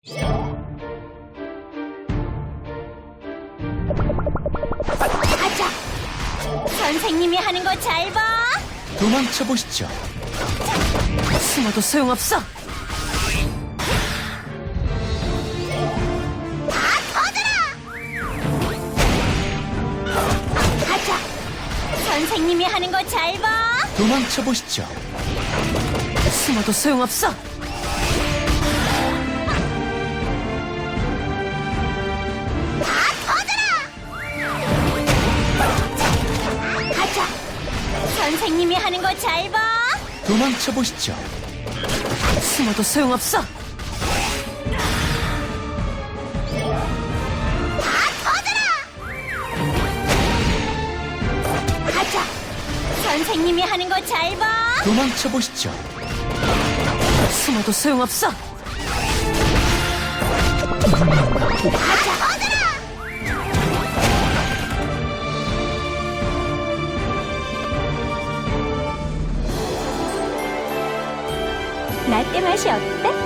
가자. 선생님이 하는 거 잘 봐. 도망쳐 보시죠. 숨어도 소용없어. 가자. 선생님이 하는 거 잘 봐. 도망쳐 보시죠. 숨어도 소용없어. 가자. 선생님이 하는 거 잘 봐. 도망쳐 보시죠. 숨어도 소용없어. 가자. 선생님이 하는 거 잘 봐. 도망쳐 보시죠. 숨어도 소용없어. 라떼 맛이 어때?